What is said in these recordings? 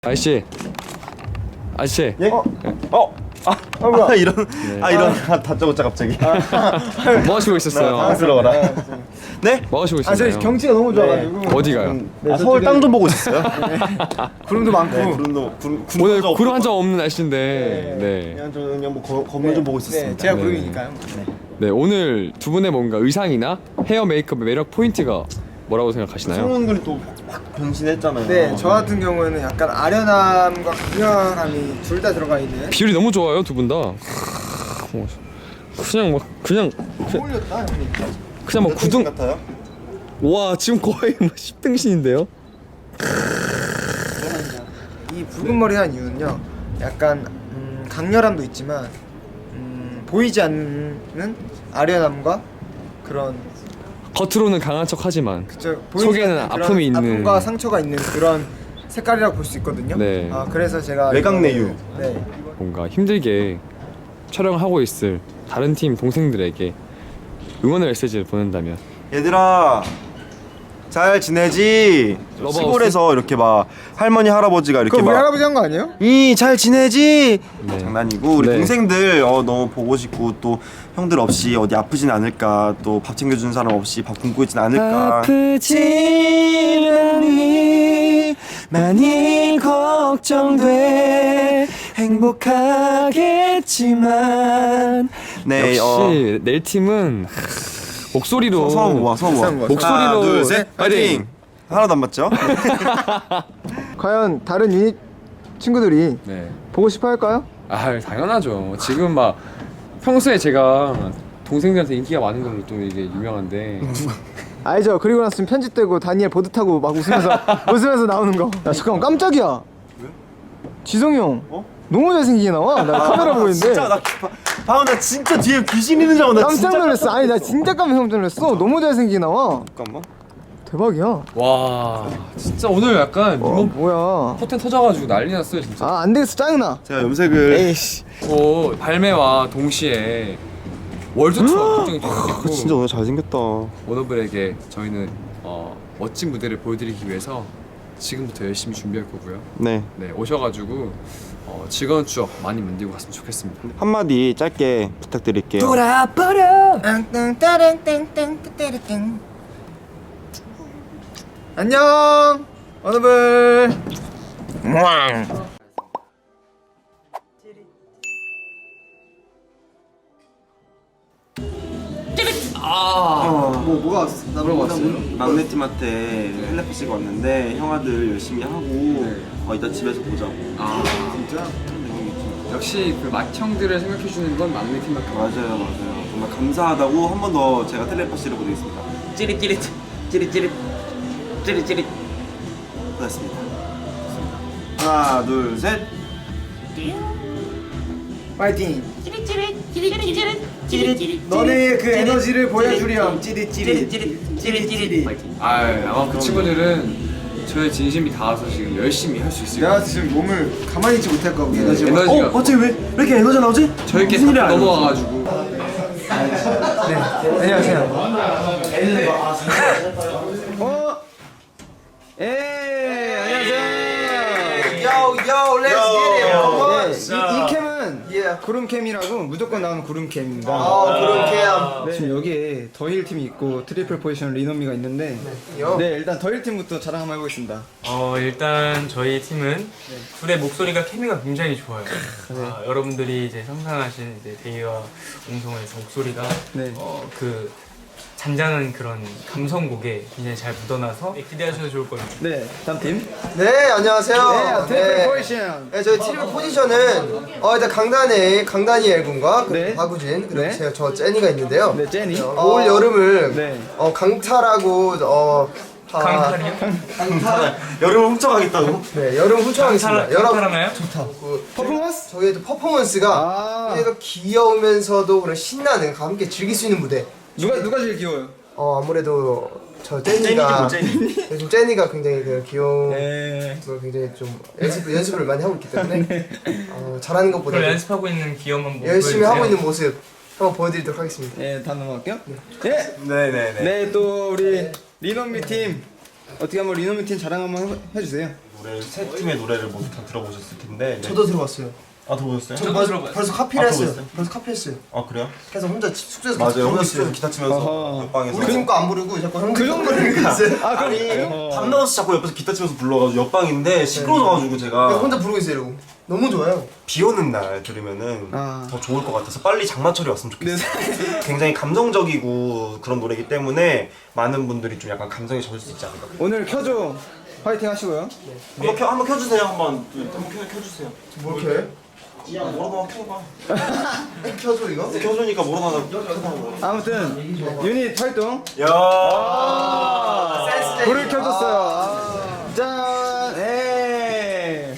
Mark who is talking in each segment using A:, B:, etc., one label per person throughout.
A: 아저씨.
B: 예? 이런 다짜고짜 갑자기.
A: 뭐 하시고 있었어요?
B: 당황스러워라. 네?
A: 뭐 하시고 있었어요?
C: 저 경치가 너무 좋아가지고.
A: 어디가요?
B: 서울 땅 좀 보고 있었어요.
C: 구름도 많고.
A: 오늘 구름 한 점 없는 날씨인데. 네.
B: 그냥 뭐 건물 좀 보고 있었습니다.
C: 제가
A: 네.
C: 구름이니까요.
A: 네, 오늘 두 분의 뭔가 의상이나 헤어 메이크업의 매력 포인트가 뭐라고 생각하시나요?
B: 성훈군이 또 확 변신했잖아요.
C: 네, 저 같은 경우에는 약간 아련함과 강렬함이 둘 다 들어가 있는.
A: 비율이 너무 좋아요, 두 분 다. 그냥
C: 어울렸다, 형님.
A: 그냥 뭐 구등.
B: 같아요?
A: 와, 지금 거의 뭐 10등신인데요?
C: 이 붉은 머리 한 이유는요. 약간 강렬함도 있지만 보이지 않는 아련함과 그런
A: 겉으로는 강한 척하지만
C: 보이지
A: 속에는
C: 않는 그런
A: 아픔이 있는.
C: 아픔과 상처가 있는 그런 색깔이라고 볼 수 있거든요.
A: 네.
C: 그래서 제가
B: 외곽내유.
C: 네.
A: 뭔가 힘들게 촬영하고 있을 다른 팀 동생들에게 응원의 메시지를 보낸다면.
B: 얘들아 잘 지내지?
A: 러브하우스?
B: 시골에서 이렇게 막 할머니 할아버지가 이렇게
C: 그거 우리
B: 막
C: 할아버지 한 거 아니에요?
B: 이 잘 지내지?
A: 네.
B: 장난이고 우리
A: 네.
B: 동생들 너무 보고 싶고 또 형들 없이 어디 아프진 않을까, 또 밥 챙겨주는 사람 없이 밥 굶고 있진 않을까.
A: 아프진 않니 많이 걱정돼 행복하겠지만.
B: 네,
A: 역시 내일 팀은 목소리로
B: 서브 와 서브 와.
C: 비싼 거.
A: 목소리로
B: 하나 둘셋
A: 파이팅!
B: 파이팅. 하나도 안 맞죠?
C: 과연 다른 유닛 친구들이
A: 네.
C: 보고 싶어 할까요?
A: 아, 당연하죠. 지금 막 평소에 제가 동생들한테 인기가 많은 걸로 또 이게 유명한데.
C: 알죠. 그리고 났으면 편집되고 다니엘 보드 타고 막 웃으면서 나오는 거. 야 잠깐만, 깜짝이야.
B: 왜?
C: 지성이 형. 너무 잘생기게 나와. 나 카메라 보고 있는데.
B: 진짜 방금 나 진짜 뒤에 귀신 있는 줄 알고 나
C: 깜짝 놀랐어. 아니 나 진짜 깜짝 놀랐어. 너무 잘생기게 나와.
B: 잠깐만.
C: 대박이야.
A: 와, 진짜 오늘 약간 이번
C: 뭐야.
A: 포텐 터져가지고 난리 났어요 진짜.
C: 아 안 되겠어, 짜증나.
B: 제가 염색을
C: 에이씨.
A: 발매와 동시에 월드 투어 걱정이 되고
B: 진짜 오늘 잘생겼다.
A: 워너블에게 저희는 멋진 무대를 보여드리기 위해서 지금부터 열심히 준비할 거고요.
B: 네,
A: 네, 오셔가지고 즐거운 추억 많이 만들고 갔으면 좋겠습니다.
B: 한마디 짧게 부탁드릴게요.
A: 돌아버려.
C: 안녕. 워너블. 뭐가 왔어? 나
A: 물어봤어요.
B: 막내팀한테 텔레파시가 왔는데 형아들 열심히 하고 이따 집에서 보자고.
A: 아,
C: 진짜?
A: 역시 그 맏형들을 생각해주는 건 막내 팀밖에 없어요.
B: 맞아요. 정말 감사하다고 한 번 더 제가 텔레파시를 보내겠습니다.
D: 찌릿찌릿 찌릿찌릿 찌릿찌릿.
B: 고맙습니다. 하나, 둘, 셋.
C: 파이팅.
D: 찌릿찌릿 찌릿찌릿 찌릿찌릿.
C: 너네의 그 에너지를 보여주렴. 찌릿찌릿.
D: 찌릿찌릿.
A: 아마 그 친구들은 저의 진심이 닿아서 지금 열심히 할 수 있을 것
C: 내가
A: 같아요.
C: 지금 몸을 가만히 있지 못할 거고 에너지가.
A: 에너지가
B: 갑자기 왜 이렇게 에너지 나오지?
A: 저희께 다 넘어와가지고.
C: 네. 안녕하세요. 안녕하세요.
D: Yo, let's get it.
C: 이 캠은 구름캠이라고 무조건 나오는 구름캠입니다.
D: 구름캠.
C: 지금 여기에 더힐 팀이 있고 트리플 포지션 리노미가 있는데 네, 일단 더힐 팀부터 자랑 한번 해보겠습니다.
E: 일단 저희 팀은 둘의 목소리가 케미가 굉장히 좋아요. 여러분들이 이제 상상하신 이제 데이와 웅성에서 목소리가
C: 네.
E: 그 잔잔한 그런 감성곡에 굉장히 잘 묻어나서 기대하셔도 좋을 겁니다.
C: 네, 다음 팀.
D: 네, 안녕하세요.
C: 트리플 포지션.
D: 네, 저희 트리플 포지션은 일단 강다니엘 군과
C: 네.
D: 박우진 그리고
C: 네.
D: 저 제니가 있는데요.
C: 네, 제니.
D: 올 여름을
C: 네.
D: 강탈하고
E: 강탈이요?
B: 여름을 훔쳐가겠다고?
D: 네, 여름 훔쳐가겠습니다.
E: 강탈하나요?
C: 퍼포먼스?
D: 저희의 또 퍼포먼스가 굉장히 귀여우면서도 그런 신나는 함께 즐길 수 있는 무대.
C: 누가 제일 귀여워요?
D: 아무래도 저 제니가 요즘 제니가 굉장히 그 귀여운
C: 네.
D: 걸 굉장히 좀 연습을 많이 하고 있기 때문에 잘하는 것보다
E: 그걸 연습하고 있는 귀여운 모습
D: 열심히 하고 있는 모습 한번 보여드리도록 하겠습니다.
C: 네, 다음 넘어갈게요. 네.
B: 네네네.
C: 네, 또 우리 리노미 팀 어떻게 한번 리노미 팀 자랑 한번 해주세요.
B: 노래 세 팀의 노래를 모두 다 들어보셨을 텐데. 네.
D: 저도 들어봤어요.
B: 아 들어보셨어요?
E: 저도 들어봤어요.
D: 벌써 카피를 했어요.
B: 들어봤어요?
D: 벌써 카피했어요.
B: 아 그래요?
D: 그래서 혼자 숙소에서
B: 맞아요. 혼자
D: 불렀어요.
B: 숙소에서 기타 치면서
C: 어허.
B: 옆방에서.
D: 우리 팀 거 안 부르고 자꾸 형
C: 그 정도는
D: 있어요.
C: 아 그럼
B: 아니 밤 넣어서 자꾸 옆에서 기타 치면서 불러가지고 옆방인데 시끄러워가지고 제가
D: 그래서 혼자 부르고 있어요. 이러고. 너무 좋아요.
B: 비 오는 날 들으면은
C: 아.
B: 더 좋을 것 같아서 빨리 장마철이 왔으면 좋겠어요. 굉장히 감정적이고 그런 노래이기 때문에 많은 분들이 좀 약간 감성에 젖을 수 있지 않을까.
C: 오늘 켜줘 파이팅 하시고요.
B: 한번 켜주세요. 한번 켜주세요.
D: 뭘 켜요?
B: 그냥 뭐라도 켜봐.
D: 켜줘 이거?
B: 켜주니까 뭐라도 켜봐.
C: 아무튼 유닛 활동
B: 야.
C: 불을 켜줬어요. 짠. 에이.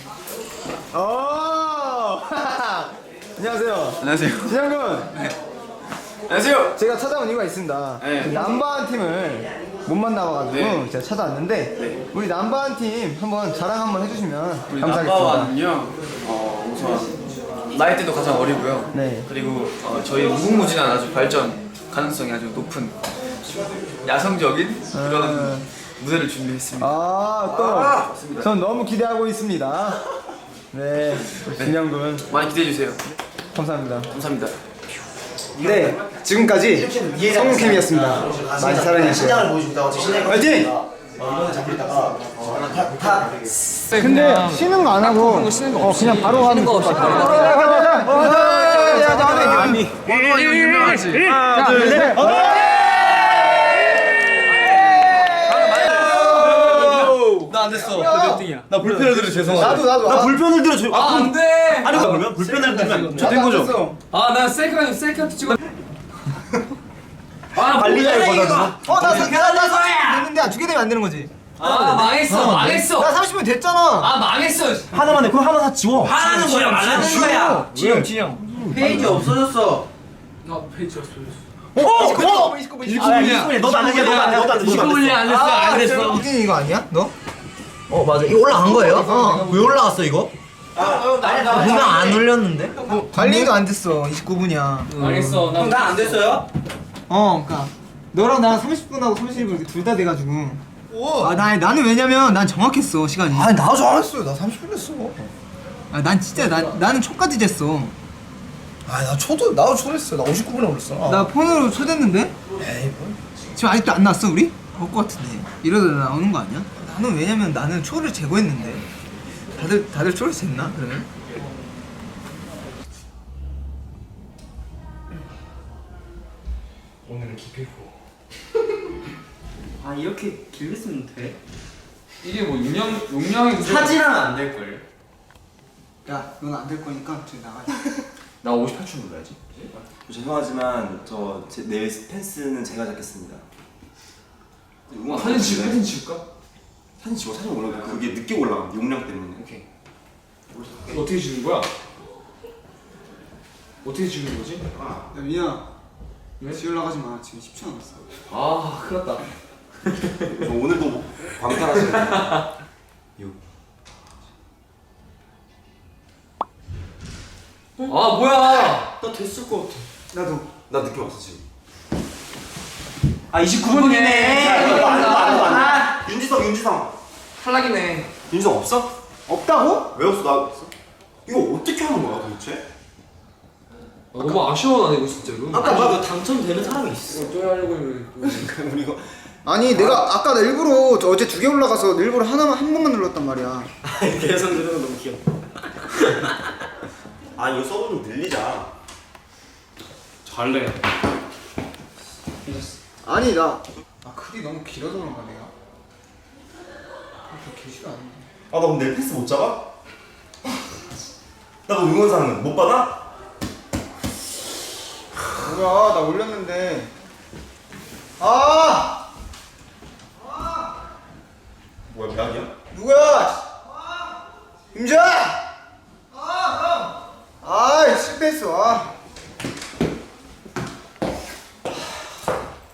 C: 안녕하세요.
A: 안녕하세요.
C: 진영군.
A: 안녕하세요.
C: 제가 찾아온 이유가 있습니다.
A: 네.
C: 남바한 팀을 못 만나봐가지고
A: 네.
C: 제가 찾아왔는데 우리 남바한 팀 한번 자랑 한번 해주시면
F: 우리
C: 감사하겠습니다.
F: 남바와는요 우선 나이대도 가장 어리고요.
C: 네.
F: 그리고 저희 무궁무진한 아주 발전 가능성이 아주 높은 야성적인 그런 무대를 준비했습니다.
C: 전 너무 기대하고 있습니다. 네, 진영군
F: 많이 기대해 주세요.
C: 감사합니다.
F: 감사합니다.
C: 네, 지금까지 성우캠이었습니다. 많이 사랑해주세요.
D: 신장을 보여준다고 신장.
C: 화이팅!
D: 다
C: 근데 쉬는 거 안 하고 그냥 바로 하는 거 없이
E: 나 안 됐어. 몇 등이야?
A: 나 불편을 들어 죄송하다.
C: 나도
B: 불편을 들어.
E: 아, 안 돼.
B: 아니 그러면 불편을 들면 저된 거죠.
E: 아, 나 셀카 찍어.
B: 아 관리자의 거다.
D: 나 30분 됐는데 두 개 되면 안 되는 거지.
E: 아, 망했어. 망했어.
D: 나 30분 됐잖아.
E: 아, 망했어.
B: 하나만 해. 그럼 하나 다 지워.
E: 하라는 거야, 말라는 거야. 진영.
D: 페이지 없어졌어.
E: 나 페이지 없어졌어.
B: 29분이야. 너도 안 해. 너도 안 해. 너도 안 해.
E: 29분이 안 됐어. 안 됐어.
D: 이게 이거 아니야? 너? 맞아. 이거 올라간 거예요? 왜 올라갔어 이거? 분명 안 올렸는데? 관리도 안 됐어. 29분이야.
E: 망했어. 나안 됐어요?
D: 그러니까 너랑 나랑 30분하고 30분 둘 다 돼가지고. 나는 왜냐면 난 정확했어 시간이. 아니 나 정확했어. 나 30분 됐어. 난 진짜 나는 초까지 쟀어.
G: 나 나도 초됐어. 나 59분에 올렸어.
D: 나 폰으로 초댔는데? 지금 아직도 안 나왔어 우리? 올 것 같은데. 이러다 나오는 거 아니야? 나는 왜냐면 나는 초를 제거했는데. 다들 초를 쟀나 그러면?
E: 오늘은 기필코.
F: 아 이렇게 길게 쓰면 돼?
E: 이게 뭐 용량이 무슨
F: 사진하면 안 될 걸.
D: 야, 넌 안 될 거니까 저기 나가.
A: 나 58초 눌러야지.
B: 죄송하지만 내 펜스는 제가 잡겠습니다.
A: 사진 찍을까?
B: 사진 지워. 사진 올라가. 그게 늦게 올라가. 용량 때문에.
A: 오케이. 어떻게 찍는 거야? 어떻게 찍는 거지?
D: 야, 민아. 지금 올라가지 마. 지금 10초 남았어.
A: 아, 큰일 났다.
B: 저 오늘도 광탈하시네. 6.
A: 아, 뭐야?
F: 나 됐을 것 같아.
D: 나도.
B: 나 늦게 왔어 지금.
F: 29분이네.
B: 윤지성.
E: 탈락이네.
B: 윤지성 없어?
D: 없다고?
B: 왜 없어? 나 없어? 이거 어떻게 하는 거야 도대체?
A: 너무 아쉬워, 나 이거 진짜로.
F: 아까 이거 당첨되는 사람이 있어.
A: 또 하려고 했는데.
B: 우리 이거
C: 아니 내가 아까 일부러 어제 2개 올라가서 일부러 한 번만 눌렀단 말이야.
B: 계속 누르는 거 너무 귀여워. 아 이거 서브 좀 늘리자.
A: 잘래.
C: 아니 글이 너무 길어서 그런가 내가. 그렇게 길지가 않네.
B: 아 나 그럼 내 패스 못 잡아? 나 그럼 응원사는 못 받아?
C: 뭐야 나 올렸는데.
B: 뭐야 대학이야?
C: 누구야? 임자! 실패했어.